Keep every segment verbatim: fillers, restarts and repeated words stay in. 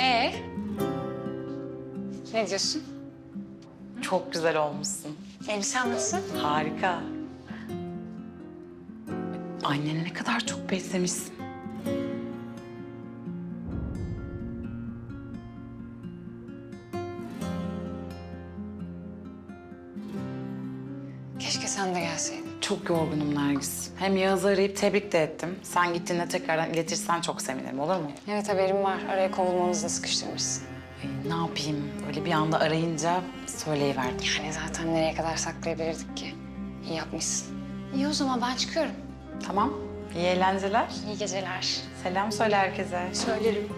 Ee? Ne diyorsun? Çok güzel olmuşsun. Elbisen nasıl? Harika. Anneni ne kadar çok beslemişsin. Keşke sen de gelseydin. Çok yorgunum Nergis. Hem Yağız'ı arayıp tebrik de ettim. Sen gittiğinde tekrardan iletirsen çok sevinirim, olur mu? Evet, haberim var. Araya kovulmamızı da sıkıştırmışsın. Ee, ne yapayım? Öyle bir anda arayınca söyleyiverdim. Yani zaten nereye kadar saklayabilirdik ki? İyi yapmışsın. İyi o zaman ben çıkıyorum. Tamam. İyi eğlenceler. İyi geceler. Selam söyle herkese. Söylerim.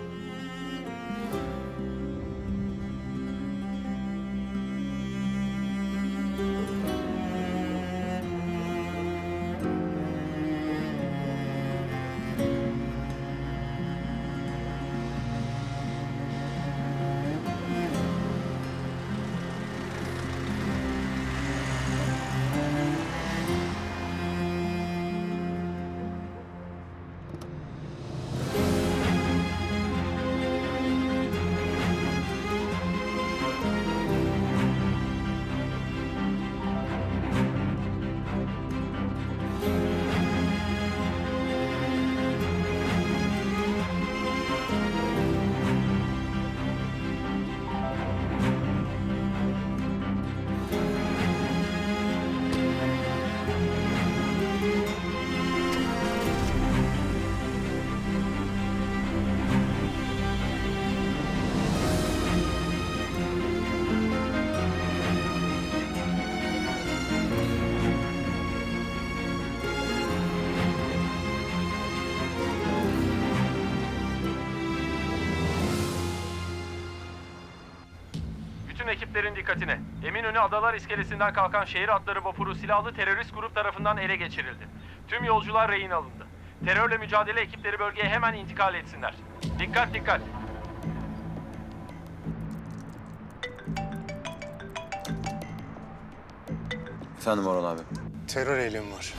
Bütün ekiplerin dikkatine. Eminönü Adalar İskelesi'nden kalkan şehir atları vapuru silahlı terörist grup tarafından ele geçirildi. Tüm yolcular rehin alındı. Terörle mücadele ekipleri bölgeye hemen intikal etsinler. Dikkat dikkat. Efendim Orhan abi. Terör eylemi var.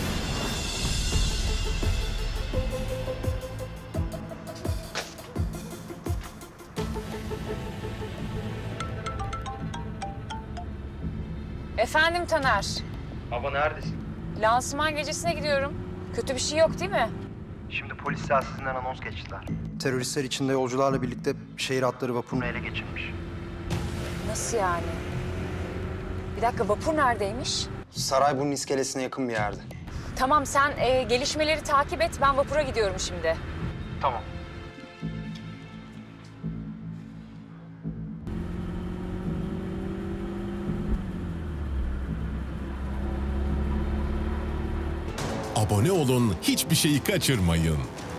Efendim Taner, Baba neredesin? lansman gecesine gidiyorum. Kötü bir şey yok değil mi? Şimdi polis telsizden anons geçtiler. Teröristler içinde yolcularla birlikte şehir atları vapurunu Bunu ele geçirmiş. Nasıl yani? Bir dakika, vapur neredeymiş? Sarayburnu iskelesine yakın bir yerde. Tamam, sen e, gelişmeleri takip et. Ben vapura gidiyorum şimdi. Tamam. Abone olun, hiçbir şeyi kaçırmayın.